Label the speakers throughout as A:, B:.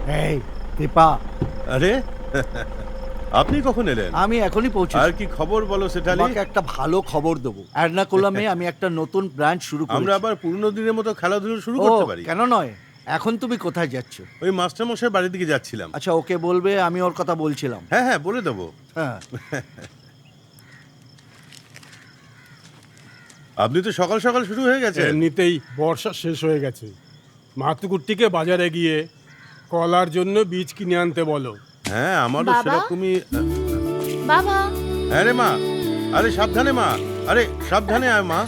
A: এই দীপা,
B: আরে আপনি কখন এলেন?
A: আমি এখনই পৌঁছেছি।
B: আর কি খবর বলো সেটালি?
A: তোমাকে একটা ভালো খবর দেবো। এর্নাকুলামে আমি একটা নতুন ব্রাঞ্চ শুরু করেছি।
B: আমরা আবার পুরনো দিনের মতো খেলাধুলো শুরু
A: ও,
B: করতে পারি?
A: কেন নয়? এখন তুমি কোথায় যাচ্ছ?
B: ওই মাস্টার মশাই বাড়ির দিকে যাচ্ছিলাম।
A: আচ্ছা, ওকে বলবে আমি ওর কথা বলছিলাম।
B: হ্যাঁ হ্যাঁ, বলে দেবো।
A: হ্যাঁ।
B: আপনি তো সকাল সকাল শুরু হয়ে গেছে।
C: এমনিতেই বর্ষা শেষ হয়ে গেছে। মাতুকুট্টিকে বাজারে গিয়ে কলার জন্য বীজ কিনে আনতে বলো।
B: হ্যাঁ, আমারও
D: বাবা?
B: সেরকমই।
D: বাবা,
B: হ্যাঁ রে মা, আরে সাবধানে মা, আরে সাবধানে আয় মা।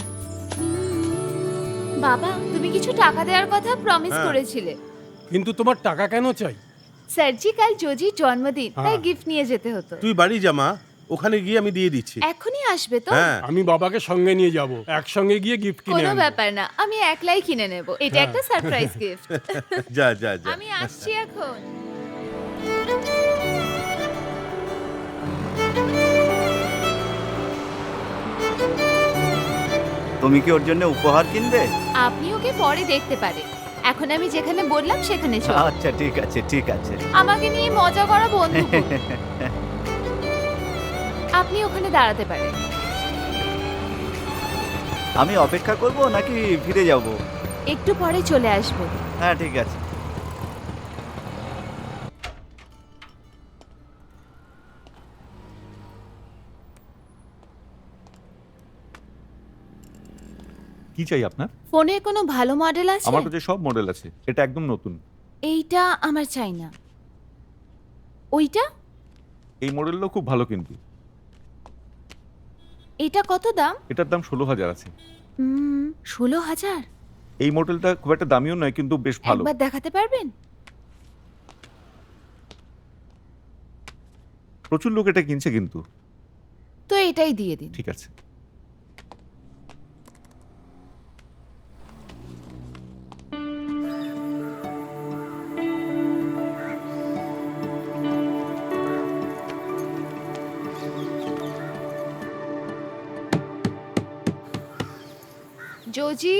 D: বাবা তুমি কিছু টাকা দেওয়ার কথা প্রমিস
B: হ্যাঁ।
D: করেছিলে।
C: কিন্তু তোমার টাকা কেন চাই?
D: স্যারজি কাল জোজির জন্মদিন, তাই
C: হ্যাঁ।
D: গিফট নিয়ে যেতে হতো।
B: তুই বাড়ি যা মা, ওখানে গিয়ে আমি দিয়ে দিচ্ছি।
D: এখনই আসবে তো?
B: হ্যাঁ
C: আমি বাবাকে সঙ্গে নিয়ে যাব, একসঙ্গে গিয়ে গিফট কিনে
D: কোনো
C: আনবো।
D: ব্যাপার না, আমি একলাই কিনে নেব। এটা একটা সারপ্রাইজ গিফট।
B: যা যা যা।
D: আমি আসছি এখন।
E: তুমি কি ওর জন্য উপহার কিনবে?
D: আপনি ওকে পরে দেখতে পারেন, এখন আমি যেখানে বললাম সেখানে চল।
E: আচ্ছা ঠিক আছে ঠিক আছে।
D: আমাকে নিয়ে মজা করা বন্ধ করুন। আপনি ওখানে দাঁড়াতে পারেন।
E: আমি অপেক্ষা করব নাকি ফিরে যাব?
D: একটু পরে চলে আসবেন।
E: হ্যাঁ ঠিক আছে।
F: কি চাই আপনার?
D: ফোনের কোনো ভালো মডেল আছে?
F: আমার কাছে সব মডেল আছে, এটা একদম নতুন।
D: এইটা আমার চাই না। ওইটা?
F: এই মডেলটাও খুব ভালো, কিন্তু
D: এটা কত দাম?
F: এটার দাম 16,000 আছে।
D: 16,000?
F: এই মডেলটা খুব একটা দামিও নয়, কিন্তু বেশ ভালো।
D: একবার দেখাতে পারবেন?
F: প্রচুর লোক এটা কিনছে কিন্তু।
D: তো এটাই দিয়ে দিন।
F: ঠিক আছে।
D: জোজি,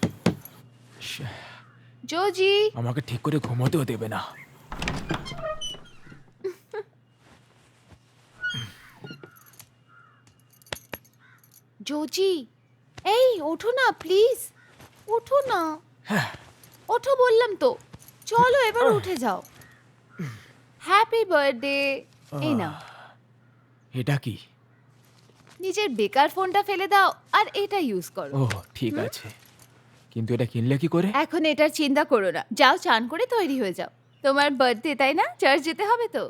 D: জোজি,
G: আমাকে ঠিক করে ঘুমোতেও দেবে না।
D: জোজি, এই ওঠো না প্লিজ, ওঠো না। ওঠো বললাম তো। চলো এবার উঠে যাও। Happy birthday. এই নাও।
G: এটা কি?
D: নিজের বেকার ফোনটা ফেলে দাও আর এটা ইউজ করো।
G: ও ঠিক আছে, কিন্তু এটা কিনলে কি করে?
D: এখন এটার চিন্তা করো না, যাও চান করে তৈরি হয়ে যাও। তোমার বার্থডে তাই না, চার্চ যেতে হবে তো।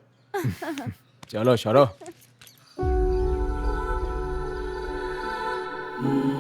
G: চলো সরো।